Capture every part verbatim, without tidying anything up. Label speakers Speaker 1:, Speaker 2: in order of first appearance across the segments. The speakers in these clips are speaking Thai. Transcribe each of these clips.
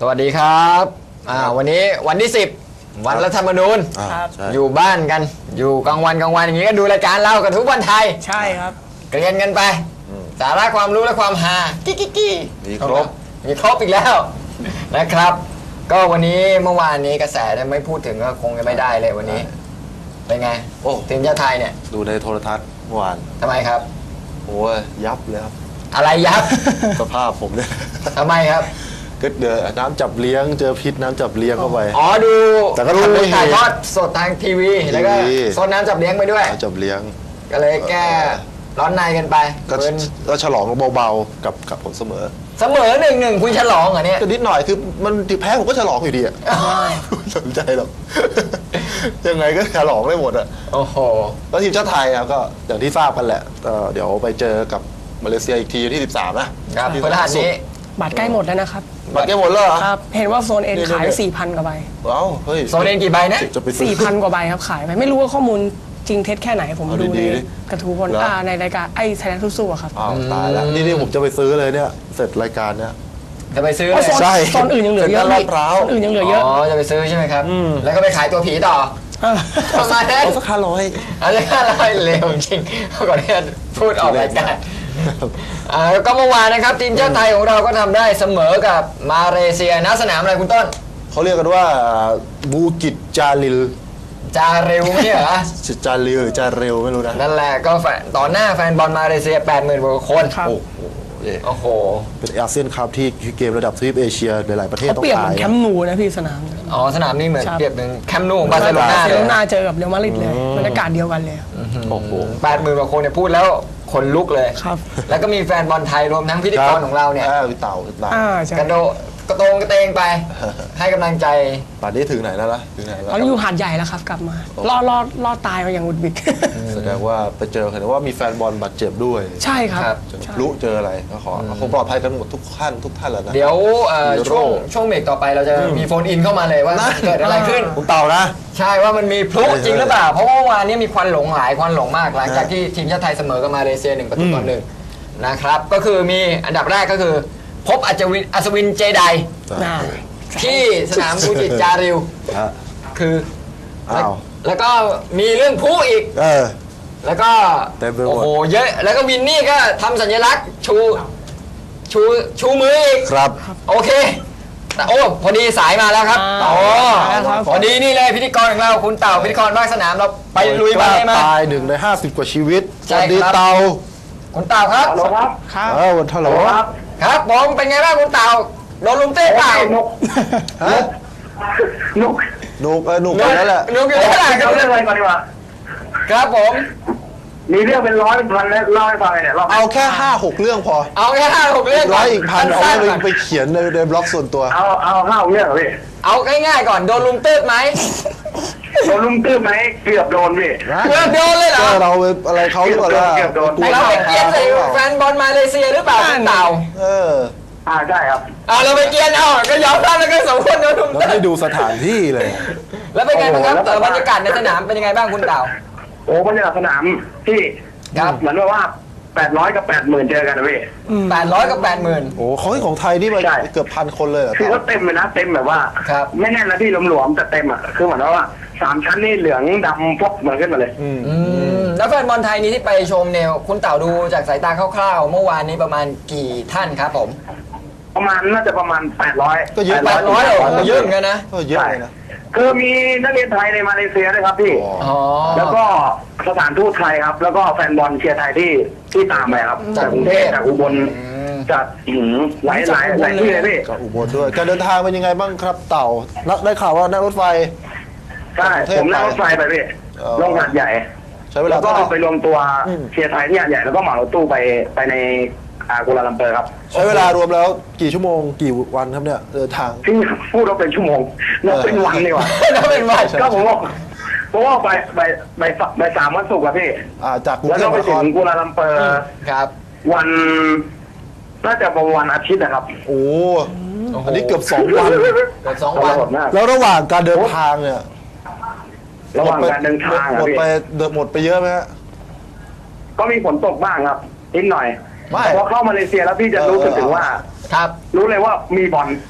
Speaker 1: สวัสดีครับอ่าวันนี้วันที่สิบวันรัฐธรรมนูญ
Speaker 2: ครับ
Speaker 1: อยู่บ้านกันอยู่กลางวันกลางวันอย่างนี้ก็ดูรายการเล่ากันทุกวันไทย
Speaker 2: ใช่ครับ
Speaker 1: เรียนกันไปสาระความรู้และความฮากิ๊กกิ๊กกิ๊ก
Speaker 3: มีครบ
Speaker 1: มีครบอีกแล้วนะครับ ก็วันนี้เมื่อวานนี้กระแสเนี่ยไม่พูดถึงก็คงจะไม่ได้เลยวันนี้เป็นไง
Speaker 3: โอ้
Speaker 1: ทีมชาติไทยเนี่ย
Speaker 3: ดูในโทรทัศน์เมื่อวาน
Speaker 1: ทำไมครับ
Speaker 3: โอ้ยยับเลยครับ
Speaker 1: อะไรยับ
Speaker 3: สภาพผมเนี่ย
Speaker 1: ทำไมครับ
Speaker 3: ก็เดือน้ำจับเลี้ยงเจอพิษน้ำจับเลี้ยงเข้าไป
Speaker 1: อ๋อดู
Speaker 3: แต่ก็
Speaker 1: ดู
Speaker 3: ทำได้เฮ
Speaker 1: ถ่ายทอดสดทางทีวีแล้วก็
Speaker 3: ทีวี
Speaker 1: โซนน้ำจับเลี้ยงไปด้วย
Speaker 3: น้ำจับเลี้ยง
Speaker 1: ก็เลยแก้ร้อนในกันไป
Speaker 3: ก็
Speaker 1: เป็น
Speaker 3: ก็ฉลองเบาๆกับกับผลเสมอ
Speaker 1: เสมอหนึ่งหนึ่งคุณฉลองเหรอเนี่ย
Speaker 3: ก็นิดหน่อยคือมันแพ้ผมก็ฉลองอยู่ดีอะไม่สนใจหรอก ยังไงก็ฉลองได้หมดอะ
Speaker 1: โอ้โห
Speaker 3: แล้วทีมชาติไทยครับก็อย่างที่ทราบกันแหละเอ่อเดี๋ยวไปเจอกับมาเลเซียอีกทีที่สิบสามนะครับ ที่
Speaker 1: พฤหัสนี้
Speaker 2: บัตรใกล้หมดแล้วนะครับ
Speaker 3: บัตรแก้หมดแล้วเหรอ
Speaker 2: ครับ เห็นว่าโซนเอ็น
Speaker 3: เดี๋ยว
Speaker 2: ขาย
Speaker 3: เดี๋ยว
Speaker 2: สี่พันกว่าใบ
Speaker 3: เอ้าเฮ้ย
Speaker 1: โซนเอ็นกี่ใบนะ
Speaker 3: จะไปซื้อ
Speaker 2: สี่พันกว่าใบครับขายไป ไม่รู้ว่าข้อมูลจริงเท็จแค่ไหนผม
Speaker 3: เอา
Speaker 2: ดู
Speaker 3: ดี
Speaker 2: ใน
Speaker 3: ๆดิ
Speaker 2: กระทู้พล
Speaker 3: เหรอ
Speaker 2: อ่าในรายการไอ้ไทยแลนด์สู้ๆอะครับ
Speaker 3: อ้าวตายแล้วนี่นี่ผมจะไปซื้อเลยเนี่ยเสร็จรายการเนี่ย
Speaker 1: จะไปซื้อ
Speaker 2: เพราะโซน
Speaker 1: เลย
Speaker 3: ใช่
Speaker 2: โซนอื่นยังเหลือเยอะ
Speaker 3: เซ็นทรัลลาดพร้าว
Speaker 2: โซนอื่นยังเหลือเยอะ
Speaker 1: อ๋อจะไปซื้อใช่ไหมครับ แล้วก็ไปขายตัวผีต่อ
Speaker 2: เออ
Speaker 1: ประมาณนั้น
Speaker 3: เอาสักห้าร้อย
Speaker 1: อะไรอะไรเร็วจริงก่อนที่จะพูดออกรายการอ่าก็เมื่อวานนะครับทีมชาติไทยของเราก็ทำได้เสมอกับมาเลเซียณสนามอะไรคุณต้น
Speaker 3: เขาเรียกกันว่าบูกิจจาริล
Speaker 1: จาเร็วไม่ใช่เหรอ
Speaker 3: จาริลหรือจาเร็วไม่รู้นะ
Speaker 1: นั่นแหละก็แฟนต่อหน้าแฟนบอลมาเลเซีย แปดหมื่น กว่าคน
Speaker 2: ครับ
Speaker 3: โอ้โหเย่
Speaker 1: โอ้โห
Speaker 3: เป็นอาเซียนคัพที่เกมระดับทวีปเอเชียหลายๆประเทศ
Speaker 2: เขา
Speaker 3: ต้อง
Speaker 2: เปรียบเห
Speaker 3: ตา
Speaker 2: มื
Speaker 3: ย
Speaker 2: อนแคมป์นูนะพี่สนาม
Speaker 1: อ๋อสนามนี้เหมือน
Speaker 2: ครับ
Speaker 1: เปรียบเป็นแคมป์นูของบาร์เซโลนา
Speaker 2: บาร์เซ
Speaker 1: เล
Speaker 2: โล
Speaker 1: ย
Speaker 2: นาเจอกับเรอัลมาดริดเลยบรรยากาศเดียวกันเลย
Speaker 3: โอ้โห
Speaker 1: แปดหมื่นกว่าคนเนี่ยพูดแล้วขนลุกเลย
Speaker 2: ครับ
Speaker 1: แล้วก็มีแฟนบอลไทยรวมทั้งพิธีกรของเราเนี่ย
Speaker 3: พี่เต่าพี่เต่า
Speaker 2: อ่าใช่
Speaker 1: กระโดดกระโตงกระเตงไป ให้กำลังใจ
Speaker 3: ป่านนี้ถึงไหนแล้วล่ะถึงไหนแล้ว
Speaker 2: ตอนนี้อยู่หาดใหญ่แล้วครับกลับมารอดรอดรอดตายมาอย่างหวุดหวิด
Speaker 3: แสดงว่าไปเจอเห็นว่ามีแฟนบอลบาดเจ็บด้วย
Speaker 2: ใช่ครับ
Speaker 1: ครับ
Speaker 3: เจอ
Speaker 2: ใช่
Speaker 3: รู้เจออะไรก็ขอคงปลอดภัยกันหมดทุกท่านทุกท่านแล้วนะ
Speaker 1: เดี๋ยวเอ่อ
Speaker 3: ฮีโร่
Speaker 1: ช่วงช่วงเบรกต่อไปเราจะมีโฟนอินเข้ามาเลยว่า
Speaker 3: นะ
Speaker 1: เกิดอะไรขึ้น
Speaker 3: คุณเต่านะ
Speaker 1: ใช่ว่ามันมีพลุจริงหรือเปล่า เพราะว่าเมื่อวานนี้มีควันหลงหลายควันหลงมากหลังจากที่ทีมชาติไทยเสมอกับมาเลเซียหนึ่งประตูต่อหนึ่งนะครับก็คือมีอันดับแรกก็คือ พบอัจวินอัศวินเจได
Speaker 2: น่า
Speaker 1: ที่สนามบูจิตจาริว
Speaker 3: ฮะ
Speaker 1: คือ
Speaker 3: อ้าว
Speaker 1: แล้วก็มีเรื่องพลุอีก
Speaker 3: เออ
Speaker 1: แล้วก็
Speaker 3: เต็มไปหมด
Speaker 1: โอ้โหเยอะแล้วก็วินนี่ก็ทำสัญลักษณ์ชูชูชูมืออีก
Speaker 3: ครับ
Speaker 1: โอเคแต่โอ้พอดีสายมาแล้วครับ
Speaker 2: อ่า
Speaker 1: โอ้
Speaker 2: ครับ
Speaker 1: พอดีนี่เลยพิธีกรของเราคุณเต่าพิธีกรภาคสนามเราไปลุยมาเลยมา
Speaker 3: ตายหนึ่งในห้าสิบกว่าชีวิตส
Speaker 1: ใช่
Speaker 3: วัสดี
Speaker 1: ครับ
Speaker 3: เต่า
Speaker 1: คุณเต่าครับ
Speaker 4: ฮัลโหลครับ
Speaker 2: ครับ
Speaker 3: เออวันเท่าไหร่
Speaker 4: ครับ
Speaker 1: ครับผมเป็นไงบ้างคุณเต่าโดนลุมเต้เปล่า
Speaker 4: นก
Speaker 3: ฮะ
Speaker 4: นก
Speaker 3: หนุกเออหนุกไปแล้วแหละ
Speaker 1: ลุมอยู่ที่ไหนครั
Speaker 4: เอา
Speaker 1: บ
Speaker 4: เรื่องอะไรก่อนดีกว่า
Speaker 1: ครับผม
Speaker 4: มีเรื่องเป็นร้อยเป็นพันแล้วเล่าให้ฟังเลยเนี่ยรอบ
Speaker 3: เอาแค่ห้าหกเรื่องพอ
Speaker 1: เอาแค่ห้าหกเรื่อง
Speaker 3: ร้อยอีกพันเอา
Speaker 1: สั้ๆ
Speaker 3: ไป
Speaker 1: ก่อน
Speaker 3: ไปเขียนในในบล็อกส่วนตัว
Speaker 4: เอาเอาห้าเรื่องเหรอพี่
Speaker 1: เอาง่ายๆก่อนโดนลุมเต้ไหม
Speaker 4: โดนลุมตื้อไหมเกือบโดนพี่
Speaker 1: เกือบโดนเลยเหรอ
Speaker 3: ก็เราไปอะไรเขาหรือเปล่าล่ะ
Speaker 4: เกือบโดน
Speaker 3: กลัว
Speaker 1: เราไปเกลียนใส่แฟนบอลมาเลเซียหรือเปล่าคุณเต่า
Speaker 3: เออ
Speaker 4: อ่าใช่ครับ
Speaker 1: อ่าเราไปเกลียนเอาก็ยอมรับแล้วก็สมควรโดนลุม
Speaker 3: แล้ว
Speaker 1: เต้
Speaker 3: ไม่ดูสถานที่เลย
Speaker 1: แล้วเป็นไงบ้างครับ
Speaker 4: โอ้โห
Speaker 1: เอ่อบรรยากาศในสนามเป็นยังไงบ้างคุณเต่า
Speaker 4: โอ้บรรยากาศสนามที่
Speaker 1: ครับ
Speaker 4: เหมือนว่าแปดร้อยกับแปดหมื่นเจอกันนะพี่
Speaker 1: แปดร้อยกับแปดหมื่น
Speaker 3: โอ้ของของไทยนี่มัน
Speaker 4: ใช่
Speaker 3: เกือบพันคนเลยเหรอ
Speaker 4: คือว่าเต็มเลยนะเต็มแบบว่า
Speaker 1: ครับ
Speaker 4: ไม่แน่นนะพี่หลวมๆแต่เต็มอ่ะคือเหมือนว่าสามชั้นนี่เหลืองดำพวกเหมือนขึ้นมาเลย
Speaker 3: อืม
Speaker 1: อืมแล้วแฟนบอลไทยนี้ที่ไปชมเนี่ยคุณเต่าดูจากสายตาคร่าวๆ เมื่อวานนี้ประมาณกี่ท่านครับผม
Speaker 4: ประมาณน่าจะประมาณแปดร้อย
Speaker 3: ก็เยอะ
Speaker 1: แปดร้อยโอ้โหเยอะเหมือนกันนะ
Speaker 3: ก็เยอะเลยนะ
Speaker 4: คือมีนักเรียนไทยในมาเลเซียด้วยครับพี่
Speaker 3: อ๋อ
Speaker 1: อ๋อ
Speaker 4: แล้วก็สถานทูตไทยครับ แล้วก็แฟนบอลเชียร์ไทยที่ที่ตามไปครับ
Speaker 1: จา
Speaker 4: จาก ก
Speaker 1: ก
Speaker 4: ก
Speaker 1: รุ
Speaker 4: รุ
Speaker 1: ง
Speaker 4: ง
Speaker 1: เท
Speaker 4: เท
Speaker 1: พ
Speaker 4: พจากอุบล
Speaker 1: อืม
Speaker 4: จากหืมหลายหลายหลายที่เลยพี่
Speaker 3: ก็อุบลด้วย การเดินทางเป็นยังไงบ้างครับเต่านักได้ข่าวว่านั่งรถไฟ
Speaker 4: ใช่
Speaker 3: จากกรุงเทพ
Speaker 4: ผมนั่งรถไฟไปพี่
Speaker 3: อ๋อ
Speaker 4: ลงหาดใหญ่
Speaker 3: ใช้เวลา
Speaker 4: แล้วก็
Speaker 3: เท่าไหร่
Speaker 4: ไปรวมตัว
Speaker 3: อืม
Speaker 4: เชียร์ไทยที่หาดใหญ่แล้วก็เหมารถตู้ไปไปในอากัวลาลัมเปอร์ครับ
Speaker 3: ใช้เวลารวมแล้วกี่ชั่วโมงกี่วันครับเนี่ยเดินทาง
Speaker 4: ที่พูดว่าเป็นชั่วโมงนับเป็นวันดีกว่า
Speaker 1: แล้วเป็นวัน
Speaker 4: ก็ผมว่าเพราะว่าไปไปไปไปสามวันศุกร์อะพี่
Speaker 3: อ่าจากกรุง
Speaker 4: แล้ว
Speaker 3: เท
Speaker 4: ก็
Speaker 3: พ
Speaker 4: ไป
Speaker 3: มหานค
Speaker 4: ถึ
Speaker 3: รง
Speaker 4: กัวลาลัมเปอร์
Speaker 1: ครับ
Speaker 4: วันน่าจะประมาณวันอาทิตย์นะครับ
Speaker 3: โอ้
Speaker 1: โอ้โห
Speaker 3: อันนี้เกือบสองวัน
Speaker 1: เกือบสองวัน
Speaker 4: ทรหดมาก
Speaker 3: แล้วระหว่างการเดินทางเนี่ย
Speaker 4: ระหว่างการเดินทาง
Speaker 3: ห
Speaker 4: อะ
Speaker 3: มด
Speaker 4: พี่
Speaker 3: ไปหมดไปเยอะไหมฮะ
Speaker 4: ก็มีฝนตกบ้างครับนิดหน่อย
Speaker 3: ไม่
Speaker 4: พอเข้ามาเลเซียแล้วพี่จะรู้สึกถึงว่า
Speaker 1: ครับ
Speaker 4: รู้เลยว่ามีบอล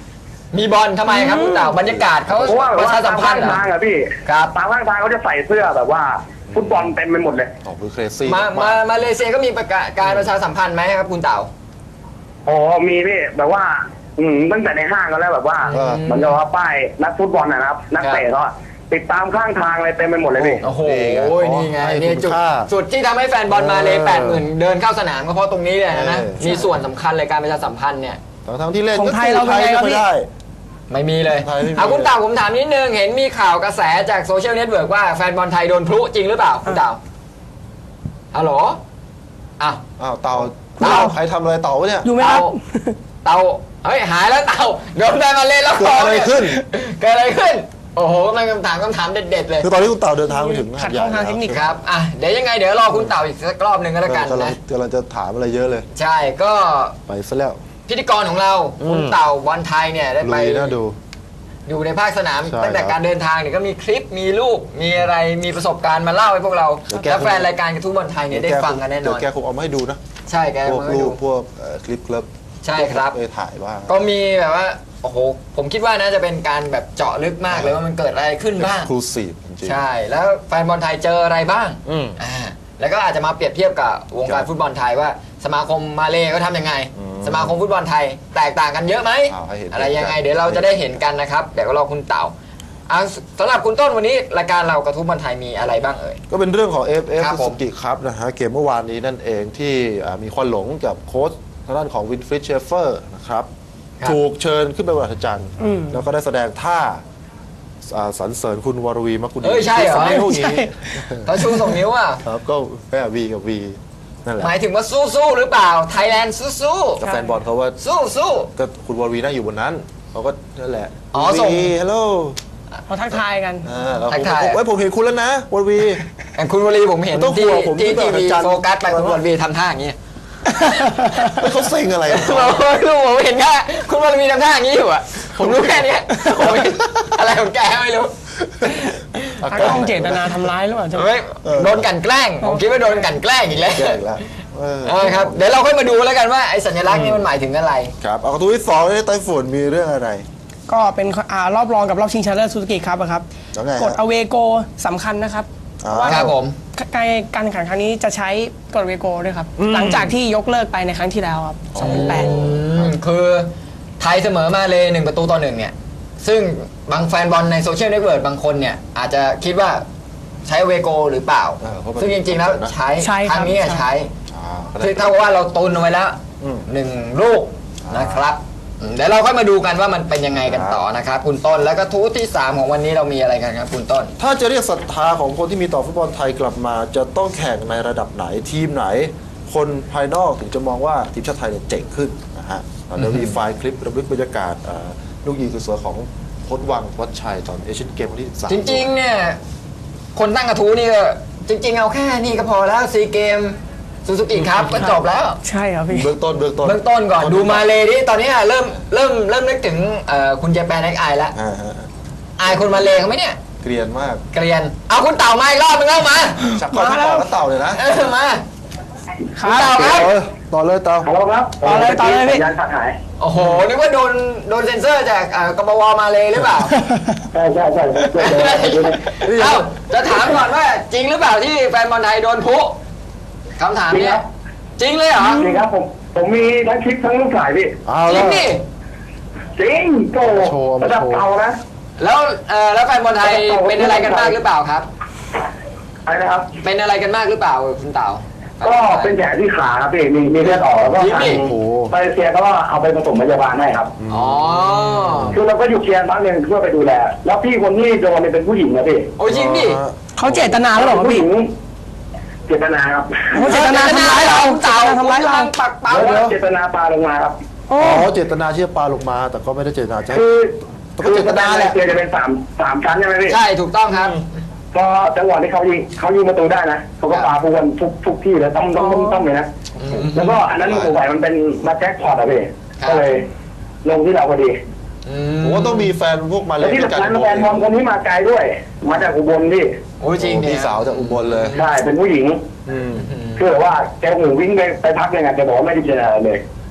Speaker 1: มีบอลทำไมครับคุณเต่าบรรยากาศเขา
Speaker 4: เพราะว่า
Speaker 1: ประชาสัมพันธ์เหร
Speaker 4: ตาม
Speaker 1: อ
Speaker 4: ข้างทางอะพี่
Speaker 1: ครับ
Speaker 4: ตามข้างทางเขาจะใส่เสื้อแบบว่าฟุตบอลเต็มไปหมดเลย
Speaker 3: ออกคือเครซี่
Speaker 1: มามามาเลเซียก็มีประกาศการประชาสัมพันธ์ไหมครับคุณเต่า
Speaker 4: อ๋อมีพี่แบบว่าอืมตั้งแต่ในห้างก็แล้วแบบว่า
Speaker 3: เออ
Speaker 4: เหมือนกับว่าป้ายนักฟุตบอลนะครับ นักเตะเขาอะติดตามข้างทางอะไรเต็มไปหมดเลยพี่
Speaker 1: โอ้โห นี่ไง
Speaker 3: ให้
Speaker 1: นี่
Speaker 3: คุณ
Speaker 1: จุด
Speaker 3: ค่า
Speaker 1: จุดที่ทำให้แฟนบอลมาเลย
Speaker 3: เออ
Speaker 1: แปดหมื่นเดินเข้าสนามก็เพราะตรงนี้เลยนะ
Speaker 3: เออ
Speaker 1: มีส่วนสำคัญเลยการประชาสัมพันธ์เนี่ย
Speaker 3: ทั้งทั้งที่เล่น
Speaker 2: ของ
Speaker 3: ก็
Speaker 2: ไทยเราเป็นไงครับ
Speaker 3: ไม่
Speaker 2: พี่
Speaker 3: ได้
Speaker 1: ไม่มีเลย
Speaker 3: ไทยไม่มี
Speaker 1: เอาคุณเต่าผมถามนิดนึง เห็นมีข่าวกระแสจากโซเชียลเน็ตเวิร์กว่าแฟนบอลไทยโดนพลุจริงหรือเปล่าคุณเต่าฮัลโหลอ้าว
Speaker 3: อ้าวเต่า
Speaker 1: เต่า
Speaker 3: ใครทำอะไรเต่าวะเนี่ย
Speaker 2: อยู่ไหมครับ
Speaker 1: เต่าเฮ้ยหายแล้วเต่าโดนแฟนมาเล่นแล้ว
Speaker 3: เกิดอะไรขึ้น
Speaker 1: เกิดอะไรขึ้น โอ้โหกำลังคำถามคำถามเด็ดๆเลย
Speaker 3: คือตอนนี้คุณเต่าเดินทางไปถึง
Speaker 2: ขัด
Speaker 3: หา
Speaker 2: ข้องทางเทคนิค
Speaker 1: ครับอ่ะเดี๋ยวยังไงเดี๋ยวรอคุณเต่าอีกสักรอบหนึ่งก็แล้วกัน
Speaker 3: กำลัง
Speaker 1: นะ
Speaker 3: กำลังจะถามอะไรเยอะเลย
Speaker 1: ใช่ก็
Speaker 3: ไปซะแล้ว
Speaker 1: พิธีกรของเรา
Speaker 3: อืม
Speaker 1: คุณเต่าบอลไทยเนี่ยได้
Speaker 3: ลุ
Speaker 1: ไป
Speaker 3: ยน่าดู
Speaker 1: อยู่ในภาคสนาม
Speaker 3: ใช่
Speaker 1: ตั้งแต่
Speaker 3: ครับ
Speaker 1: การเดินทางเนี่ยก็มีคลิปมีรูปมีอะไรมีประสบการณ์มาเล่าให้พวกเรา
Speaker 3: เดี๋ยวแก
Speaker 1: และแฟนรายการกระทู้บอลไทยเนี่ยได้ฟังกันแน่น
Speaker 3: เดี๋ย
Speaker 1: อน
Speaker 3: วแกคงเอามาให้ดูนะ
Speaker 1: ใช่แก
Speaker 3: พวก
Speaker 1: มาให้
Speaker 3: รู
Speaker 1: ดู
Speaker 3: ปพวกเอ่อคลิปคลิป
Speaker 1: ใช่ครับ
Speaker 3: ไปถ่ายบ้าง
Speaker 1: ก็มีแบบว่าโอ้โหผมคิดว่าน่าจะเป็นการแบบเจาะลึกมากเลยว่ามันเกิดอะไรขึ้นบ้าง
Speaker 3: ครูซีฟจริงๆ
Speaker 1: ใช่แล้วแฟนบอลไทยเจออะไรบ้าง
Speaker 3: อืม
Speaker 1: อ่าแล้วก็อาจจะมาเปรียบเทียบกับวง
Speaker 3: ครั
Speaker 1: การ
Speaker 3: บ
Speaker 1: ฟุตบอลไทยว่า สมาคมมาเลก็ทำยังไง
Speaker 3: อืม
Speaker 1: สมาคมฟุตบอลไทยแตกต่างกันเยอะไหม
Speaker 3: อ้าวให้เห็น
Speaker 1: อะไรยังไง
Speaker 3: กัน
Speaker 1: เดี๋ยวเราจะได้เห็นกันนะครับเดี๋ยวก็รอคุณเต่าอ่าสำหรับคุณต้นวันนี้รายการเรากระทู้บอลไทยมีอะไรบ้างเอ่ย
Speaker 3: ก็เป็นเรื่องของ เอฟ เอฟ
Speaker 1: ครับผม
Speaker 3: Suzuki ครับนะฮะเกมเมื่อวานนี้นั่นเองที่อ่ามีควันหลงกับโค้ชทางด้านของวินฟริดเชฟเฟอร์นะครับ
Speaker 1: ครับ
Speaker 3: ถูกเชิญขึ้นไปบนอัศจรรย์
Speaker 2: อืม
Speaker 3: แล้วก็ได้แสดงท่าอ่าสรรเสริญคุณวรวีมกุล
Speaker 1: เอ้ยใช่เหรอ
Speaker 3: สมัยพวกนี้
Speaker 1: เขาชูสองนิ้วอ่ะ
Speaker 3: ครับก็แม่วีกับวีนั่นแหละ
Speaker 1: หมายถึงว่าสู้ๆหรือเปล่าไทยแลนด์สู้
Speaker 3: กับแฟนบอลเขาว่า
Speaker 1: ๆสู้
Speaker 3: ก็คุณวรวีนั่งอยู่บนนั้นเขาก็นั่นแหละ
Speaker 1: อ๋อส่ง
Speaker 3: วีฮัลโหล
Speaker 2: เขาทักทายกัน
Speaker 3: อ่าแล้ว
Speaker 1: ทั
Speaker 3: ผ
Speaker 1: ก
Speaker 3: ม
Speaker 1: ทาย
Speaker 3: ผมเอ้ยผมเห็นคุณแล้วนะวรวี
Speaker 1: ๆอย่างคุณวลีผมเห็น
Speaker 3: ต้อง
Speaker 1: ที่
Speaker 3: กลัวผม
Speaker 1: ที่
Speaker 3: ที่
Speaker 1: ที
Speaker 3: แบบ
Speaker 1: วี
Speaker 3: อาจารย์
Speaker 1: โฟกัสไปคุณวลีทำท่าอย่างนี้
Speaker 3: เฮ้ยเขาเซ็งอะไรกัน
Speaker 1: ผมรู้ผมเห็นแค่คุณวลีทำท่าอย่างนี้อยู่อ่ะผมรู้แค่เนี้ยผมเห็นอะไรของแกไม่รู้
Speaker 2: ทักข้องเจตนาทำร้ายหรือเปล่าใช่ไหม
Speaker 1: เฮ้ยโดนกลั่นแกล้งผมคิดว่าโดนกลั่นแกล้งอีกแล้ว
Speaker 3: แย่อีกแล้วเออ
Speaker 1: เออครับเดี๋ยวเราค่อยมาดูแล้วกันว่าไอ้สัญลักษณ์นี่มันหมายถึงอะไร
Speaker 3: ครับเอากระทู้ที่สองนี่ไต้ฝุ่นมีเรื่องอะไร
Speaker 2: ก็เป็นอ่ารอบรองกับรอบชิงชนะเลิศซูซูกิครับอะครับ
Speaker 3: แล้วไงฮะ
Speaker 2: กฎอเวโกสำคัญนะครับ
Speaker 3: อ่า
Speaker 2: เพราะว่า
Speaker 1: ครับผม
Speaker 2: การการแข่งขันครั้งนี้จะใช้กฎอเวโกด้วยครับ หลังจากที่ยกเลิกไปในครั้งที่แล้วครับสองพันแปด
Speaker 1: อืมคือไทยเสมอมาเลยหนึ่งประตูต่อหนึ่งเนี่ย ซึ่งบางแฟนบอลในโซเชียลเน็ตเวิร์กบางคนเนี่ย อาจจะคิดว่าใช้เวโกหรือเปล่า
Speaker 3: เออเพราะมัน
Speaker 1: ซึ่งจริงๆแล้วใช้
Speaker 2: ใช่
Speaker 1: ครั้งนี้อะ
Speaker 2: ครับ
Speaker 1: ใช้
Speaker 3: อ่าก็ได้
Speaker 1: คือเท่ากับว่าเราตุนเอาไว้แล้ว
Speaker 3: อืม
Speaker 1: หนึ่งลูกนะครับอืมเดี๋ยวเราค่อยมาดูกันว่ามันเป็นยังไงกันต่อนะครับคุณต้นแล้วก็ทูตที่สามของวันนี้เรามีอะไรกันครับคุณต้น
Speaker 3: ถ้าจะเรียกศรัทธาของคนที่มีต่อฟุตบอลไทยกลับมา จะต้องแข่งในระดับไหนทีมไหน คนภายนอกถึงจะมองว่าทีมชาติไทยเนี่ยเจ๋งขึ้นนะฮะเดี๋ยวมีไฟล์คลิประลึกบรรยากาศอ่าลูกยิงสวยๆของโค้ชวังวัชชัยตอนเอเชียนเกมวันที่สิบสาม
Speaker 1: จริงๆ เนี่ย คนตั้งกระทู้นี่ก็จริง ๆ เอาแค่นี้ก็พอแล้วซีเกมซูซูกิครับก็จบแล้ว
Speaker 2: ใช่ครับพี่
Speaker 3: เบื้องต้นเบื้องต้น
Speaker 1: เบื้องต้นก่อนดูมาเลยดิตอนนี้อะเริ่มเริ่มเริ่มนึกถึงเอ่อคุณเจแปนไอไอแล้ว
Speaker 3: อ่าฮะ
Speaker 1: อายคนมาเลเขาไหมเนี่ย
Speaker 3: เกรียนมาก
Speaker 1: เกรียน เอาคุณเต่ามาอีกรอบนึงเอามา
Speaker 3: ชักข้อชักคอแล้วเต่าเลยนะ
Speaker 1: เออมา
Speaker 2: ครั
Speaker 1: คุณเต่า
Speaker 2: บ
Speaker 1: ครับ
Speaker 3: เออต่อเลยเต่า
Speaker 4: ฮัลโหลครับ
Speaker 2: ต่อเลยต่อเลยพี่
Speaker 4: สัญญาณขาดหาย
Speaker 1: โอ้โหนึกว่าโดนโดนเซ็นเซอร์จากเอ่อกบวมาเลยหรือเปล่า
Speaker 4: ใช่ใช่ใช่ใช่ใช่ใช่
Speaker 1: เอ้าจะถามก่อนว่าจริงหรือเปล่าที่แฟนบอลไทยโดนพุคำถามเนี้ยจริงเลยเหรอ
Speaker 4: จริงครับผมผมมีทั้งคลิปทั้งรูปถ่ายพี่
Speaker 3: เอา
Speaker 1: จริ
Speaker 3: แล้
Speaker 1: ง
Speaker 3: ว
Speaker 1: ดิ
Speaker 4: จริงโต
Speaker 3: โชว์มา
Speaker 4: ระดับ
Speaker 3: โชว์
Speaker 4: เก่านะ
Speaker 1: แล้วเอ่อแล้วแฟนบอลไทยเป็นอะไรกันมากหรือเปล่าครับ
Speaker 4: อะไรนะครับ
Speaker 1: เป็นอะไรกันมากหรือเปล่าคุณเต่า
Speaker 4: ก็เป็นแผลที่ขาครับพี่มีมีเลือดออกแล้วก็
Speaker 1: จริง
Speaker 4: ทา
Speaker 1: ดิ
Speaker 4: ง
Speaker 3: โอ้โห
Speaker 4: มาเลเซียก็เอาไปผสมพยาบาลให้ครับ
Speaker 1: อ๋อ
Speaker 4: คือเราก็อยู่เชียร์บ้านหนึ่งเพื่อไปดูแล แล้วพี่คนที่โดนเนี่ยเป็นผู้หญิงนะพี่
Speaker 1: โอ้ยจริงดิ
Speaker 2: เขาเจตนาแล้วเหรอครับ
Speaker 4: ผู้ห
Speaker 2: พี่
Speaker 4: ญิงเจตนาครับ
Speaker 2: เขาเจตนาทำร้ายเรา
Speaker 1: คุณเต่า
Speaker 2: ทำร้ายเรา
Speaker 1: ปักเป้า
Speaker 4: แล้วเจตนาปาลงมาครับ
Speaker 2: โอ้
Speaker 3: อ๋อเจตนาที่จะปาลงมา แต่ก็ไม่ได้เจตนาจะให้
Speaker 4: คือ
Speaker 3: แต่ก็เจตนาแหละ
Speaker 4: เจจะเป็นสามสามชั้นใช่ไหมพี่
Speaker 1: ใช่ถูกต้องครับ
Speaker 4: ก็จังหวะที่เขายิงเขายิงประตูได้นะเขาก็ปาพวนทุกทุกที่เลยต้องต้องต้องต้องเลยนะ แล้วก็อันนั้นสงสัยมันเป็นมาแจ็คพอตอะพี่
Speaker 1: ครับ
Speaker 4: ก็เลยลงที่เราพอดี
Speaker 1: อื
Speaker 3: ผมว่าต้องมีแฟนพวกมาเล
Speaker 4: แล้ว
Speaker 3: ย
Speaker 4: ที่
Speaker 3: ด้วยกั
Speaker 4: สำคัญแฟนบอลคนนี้มาไกลด้วย มาจากอุบลพี่
Speaker 1: โอ้ยจริงดิ
Speaker 3: พี่สาวจากอุบลเลย
Speaker 4: ใช่เป็นผู้หญิง
Speaker 3: อืม
Speaker 1: อืม
Speaker 4: คือแบบว่าแกหูวิ่งไปไปพักยังไงแกบอกว่าไม่ได้เจออะไรเลย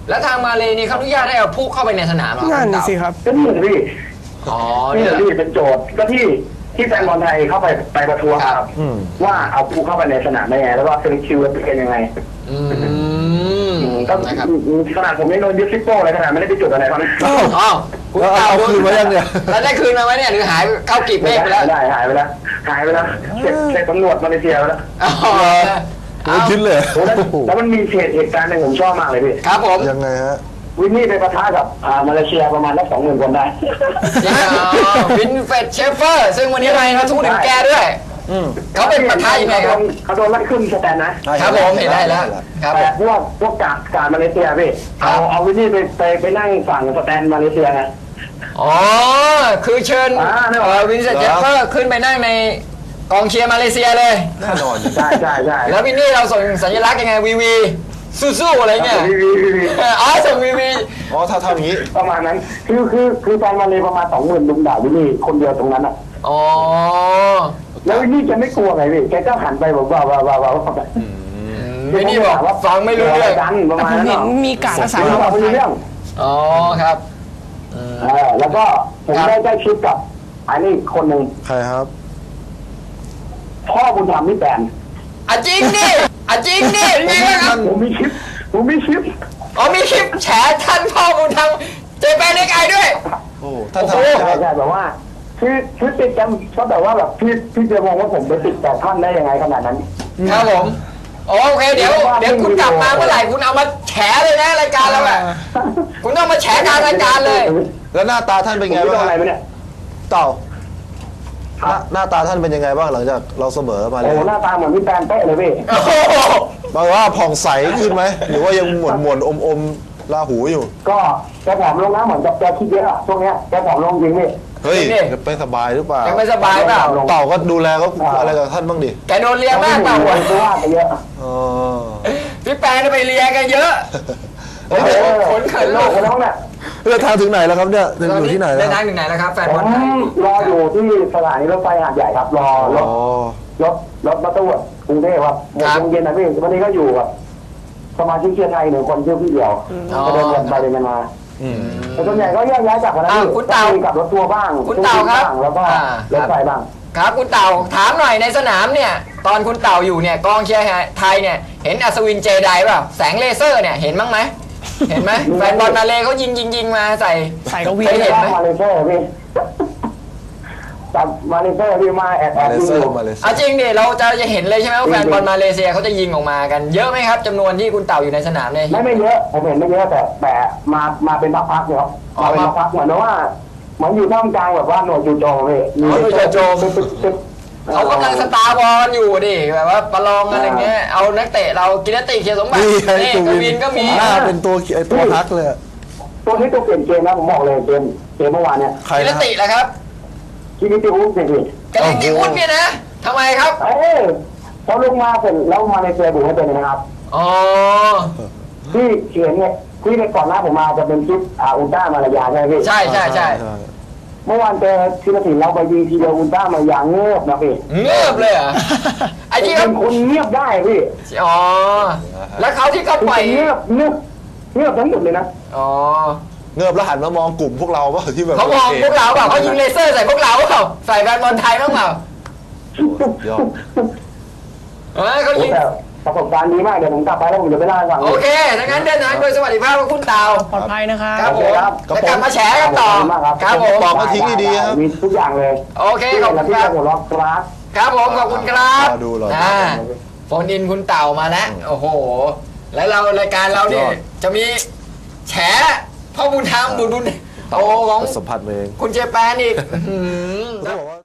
Speaker 1: แล้วทางมาเลนี่เขาอนุญาตให้เอาผู้เข้าไปในสนามเหรอ
Speaker 2: นั่น
Speaker 1: คุณเต่า
Speaker 2: สิครับ
Speaker 4: ก็นี่แหละพี่
Speaker 1: อ๋อ
Speaker 4: นี่
Speaker 1: เนี่ย
Speaker 4: แหละพี่เป็นโจทย์ก็ที่ที่แฟนบอลไทยเข้าไปไปประท้วงครับ
Speaker 3: อืม
Speaker 4: ว่าเอาผู้เข้าไปในสนามได้ไงแล้วก็เซนคิวเป็นยังไง
Speaker 1: อืม
Speaker 4: อืมก็
Speaker 1: นะครับ
Speaker 4: ขนาดผมยังโดนยึดซิปโป้เลยขนาดไม่ได้ไปจุดอะไรเขานะ
Speaker 1: อ๋อคุณ
Speaker 3: แล้ว
Speaker 1: เต่า
Speaker 3: เอาคืนมายังเนี่ย
Speaker 1: แล้วได้คืนมาไหมเนี่ยหรือหายเข้ากีบเมฆไปแล้ว
Speaker 4: ไม่ได้หายไปแล้วหายไปแล้วเช็คเช็คตำรวจมาเลเซียไปแล้ว
Speaker 1: อ๋อ
Speaker 3: ไม่คิดเลย
Speaker 4: โอ้แล้วแล้วมันมีเหตุเหตุการณ์หนึงผมชอบมากเลยพี่
Speaker 1: ครับผม
Speaker 3: ยังไงฮะ
Speaker 4: วินนี่ไปปะทะกับอ่ามาเลเซียประมาณสักสองหมื่นคนได้
Speaker 1: จริงเหรอวินเฟดเชฟเฟอร์ ซึ่งวันนี้เราพูดถึงแกด้วย
Speaker 3: อืม
Speaker 1: เขาเป็นประธานยังไงครับ
Speaker 4: เขาโดนไล่ขึ้นสแตนนะ
Speaker 1: ครับผมเห็นได้แล้วครับผ
Speaker 4: แต่
Speaker 1: ม
Speaker 4: พวกพวกกาดกาดมาเลเซียพี่
Speaker 1: ครั
Speaker 4: เอา
Speaker 1: บ
Speaker 4: เอาวินนี่ไปไปไปนั่งฝั่งสแตนมาเลเซียไง
Speaker 1: อ๋อ คือเชิญ
Speaker 4: อ่าแน่นอน
Speaker 1: เอ่อวินเฟดเชฟเฟอร์ขึ้นไปนั่งในกองเชียร์มาเลเซียเลย
Speaker 3: แน่นอน
Speaker 4: ใช่ใช่ใช่
Speaker 1: แล้ววินนี่เราส่งสัญลักษณ์ยังไงวีวีสู้ๆอะไรเงี้ย
Speaker 4: วีวีวีวี
Speaker 1: เอออ๋อส่งวีวี
Speaker 3: อ๋อถ้าทำอย่างนี้
Speaker 4: ประมาณนั้น คือคือคือแฟนมาเลประมาณสองหมื่นลุมด่าวินนี่คนเดียวตรงนั้นอ่ะ
Speaker 1: อ๋อ
Speaker 4: แล้ววินนี่แกไม่กลัวไงพี่แกก็หันไปบอกว่าว่าว่าว่าว่า
Speaker 1: วินนี่บอกฟังไม่รู้เรื่อง
Speaker 4: กันประ
Speaker 2: แต่
Speaker 4: มาณ
Speaker 2: ผม
Speaker 4: นั้น
Speaker 2: เห็น
Speaker 4: เนาะ
Speaker 2: มีการรักษา
Speaker 4: ไม่
Speaker 2: ความปลอด
Speaker 4: รู้
Speaker 2: ภัย
Speaker 4: เรื่อง
Speaker 1: อ๋อครับ
Speaker 4: เออแล้วก็ผม
Speaker 1: ครับ
Speaker 4: ได้ใกล้ชิดกับอันนี้คนหนึ่ง
Speaker 3: ใครครับ
Speaker 4: พ่อบุญธรรมพี่แปน
Speaker 1: อ่ะจริงดิอ่ะจริงดิยังไงครับ
Speaker 4: ผมมีคลิปผมมีคลิป
Speaker 1: อ๋อมีคลิปแฉท่านพ่อบุญธรรมเจแปนเล็กไอด้วย
Speaker 3: โอ้ท่าน
Speaker 1: โอ้
Speaker 3: ทำ
Speaker 1: โห
Speaker 3: ใช่ไหม
Speaker 4: ใช่ใช่แบบว่าคือคือติดกันก็แบบว่าแบบพี่พี่จะมองว่าผมไปติดแต่ท่านได้ยังไงขนาดนั้น
Speaker 1: ครับผมโอเคเดี๋ยวเดี๋ยวคุณกลับมาเมื่อไหร่คุณเอามาแฉเลยนะรายการเราอะคุณต้องมาแฉกลารรายการเลย
Speaker 3: แล้วหน้าตาท่านเป็นไง
Speaker 4: ผม
Speaker 3: บ้าง
Speaker 4: อะไร
Speaker 3: ฮะ
Speaker 4: ไหมเนี่ย
Speaker 3: เต่า
Speaker 4: ค
Speaker 3: ห
Speaker 4: รั
Speaker 3: น้า
Speaker 4: บ
Speaker 3: หน้าตาท่านเป็นยังไงบ้างหลังจากเราเสมอมาเล
Speaker 4: โอ้
Speaker 3: ย
Speaker 4: โหหน้าตาเหมือนพี่แปนเป๊ะเลยพี่
Speaker 1: โอ้โห
Speaker 3: แปลว่าผ่องใสขึ้นไหมหรือว่ายังหม่นหม่นอมอมๆลาหูอยู่
Speaker 4: ก็แกผอมลงนะเหมือนกับแกคิดเยอะอะช่วงเนี้ยแกผอมลงจริงพี่
Speaker 3: เฮ้ยจะไปสบายหรือเปล่า
Speaker 1: ยังไม่สบายเปล่า
Speaker 3: เต่าก็ดูแลก็อะไรกับท่านบ้างดิ
Speaker 1: แกโดนเลียมากเปล่า
Speaker 4: เพ
Speaker 1: วะ
Speaker 4: ราะว่าแกเยอะ
Speaker 3: อ๋อ
Speaker 1: พี่แปนไปเลียกันเยอะ
Speaker 4: โอ้โห
Speaker 1: ขนเขิน
Speaker 4: โล
Speaker 1: ลู
Speaker 4: ก
Speaker 1: ก
Speaker 4: ไปแล้วเนี่ย
Speaker 3: เดินทางถึงไหนแล้วครับเนี่ยอยู่ที่ไหนแล้
Speaker 1: เดิ
Speaker 3: วน
Speaker 1: ทางถึงไหนแล้วครับแฟน
Speaker 4: ผ
Speaker 1: บอล
Speaker 4: ม
Speaker 1: ไทย
Speaker 4: รออยู่ที่สถานีรถไฟหาดใหญ่ครับ รอร
Speaker 3: อ๋อ
Speaker 4: ถรถรถบัสตู้กรุงเทพครับหมดโมงเย็นนะพี่วันนี้ก็อยู่กับสมาชิกเชียร์ไทยหนึ่งคนชื่อพี่เดียวก็เดินกันไปเดินกันมา
Speaker 3: อืม
Speaker 4: แต่ส่วนใหญ่ก็แยกย้ายจากกันนะ
Speaker 1: อ้าว
Speaker 4: พี่
Speaker 1: คุณเต่า
Speaker 4: ก็มีกับรถทัวร์บ้าง
Speaker 1: คุณเต่าครับ
Speaker 4: บ้างแล้วก็
Speaker 1: อ่าร
Speaker 4: ถไฟบ้าง
Speaker 1: ครับคุณเต่าถามหน่อยในสนามเนี่ย ตอนคุณเต่าอยู่เนี่ยกองเชียร์ไทยเนี่ยเห็นอัศวินเจไดเปล่าแสงเลเซอร์เนี่ยเห็นบ้างไหมเห็นไหมแฟนบอลมาเลเขายิงยิงยิงมาใส่
Speaker 2: ใส่กวี
Speaker 1: เคยเห็นไหม
Speaker 4: มาเลเซียพี่จับมาเลเซียพี่มาแอบแอ
Speaker 3: มา
Speaker 4: บ
Speaker 3: เล
Speaker 4: ยิง
Speaker 3: เซี
Speaker 4: อย ยู่
Speaker 3: มาเลเซีย
Speaker 1: เอาจริงดิเราจะจะเห็นเลยใช่ไหมว่าแฟนบอลมาเลเซียเขาจะยิงออกมากันเยอะไหมครับจำนวนที่คุณเต่าอยู่ในสนามเนี่ย
Speaker 4: ไม่ไม่เยอะผมเห็นไม่เยอะแต่แต่มามาเป็นพักๆเนี่ยครับ
Speaker 1: อ๋อ
Speaker 4: มาเป็นพักๆเหมือนว่าเหมือนอยู่ท่ามกลางแบบว่าหน่วยจู่โจมพี่
Speaker 1: อ๋อหน่วยจู่โจม
Speaker 4: ตึ๊ดตึ๊ดตึ๊ด
Speaker 1: เขากำลังสตาร์บอลอยู่ดิแบบว่าประลองกันอะไรเงี้ยเอานักเตะเรากินติเคียสมบัติ
Speaker 3: นี่ไง
Speaker 1: นี่
Speaker 3: ก
Speaker 1: ก
Speaker 3: วิ
Speaker 1: วินก็มี
Speaker 3: หน้าเป็นตัวไอตัวฮักเลยอะ
Speaker 4: ตัวนี้ตัวเปลี่ยนเกมนะผมบอกเลยเกมเกมเมื่อวานเนี่ย
Speaker 3: ใคร
Speaker 1: กิน
Speaker 3: นะ
Speaker 1: ติแหละครับ
Speaker 4: คิมิติอุสเนี่ยพี่
Speaker 1: กาลิติอุสเนี่ยนะทำไมครับ
Speaker 4: เอ้ยพอลงมาเสร็จแล้วมาในเซียบุกให้เป็นนะครับ
Speaker 1: อ๋อ
Speaker 4: ที่เขียนเนี่ยที่ในก่อนหน้าผมมาจะเป็นคลิปอ่าอุลตร้ามาลายาใช่ไหมพี่
Speaker 1: ใช่ใช่ใช่
Speaker 4: เมื่อวานเจอทีมสินเราไปยิงทีเดียวอุลตร้ามาลายาเงียบนะพี่
Speaker 1: เงือบเลยเหรอไอ้ที่
Speaker 4: เป็
Speaker 1: เขา
Speaker 4: นคนเงียบได้พี่
Speaker 1: อ๋อแล้วเขาที่เขา
Speaker 4: คือ
Speaker 1: ปล่อย
Speaker 4: เงียบเงียบเงียบทั้งหมดเลยนะ
Speaker 1: อ๋อ
Speaker 3: เงือบแล้วหันมามองกลุ่มพวกเราว่าที่แบบ
Speaker 1: เขามองพวกเราเปล่าเขายิงเลเซอร์ใส่พวกเราเปล่าใส่แฟนบอลไทยบ้างเปล่า
Speaker 3: ยอด
Speaker 1: เออเขายิง
Speaker 4: แต่ประสบการณ์ดีมากเดี๋ยวผมกลับไปแล้วผมจะไปเล่าให้ฟัง
Speaker 1: โอเคถ้างั้นเดินทางโดยสวัสดิภาพของคุณเต่า
Speaker 2: ปลอดภัยนะครับ
Speaker 1: ครับผมแล้วกลับมาแฉกันต่อครับผม
Speaker 3: บอกมาทิ้งดีๆครับ
Speaker 4: มีทุกอย่างเลย
Speaker 1: โอเคขอบคุณ
Speaker 4: ที่
Speaker 1: ครับ
Speaker 4: หัวเราะครับ
Speaker 1: ครับผมขอบคุณครับ
Speaker 3: รอดูรอดู
Speaker 1: อ่าโฟนอินคุณเต่ามาแล้วโอ้โห แล้วเรารายการเราเนี่ย
Speaker 3: ยอด
Speaker 1: จะมีแฉพ่อบุญธรรมบุญบุญโตของ
Speaker 3: สัมผัสมาเอง
Speaker 1: คุณเจแปนอีกอื้อหือ
Speaker 3: เขาบอกว่า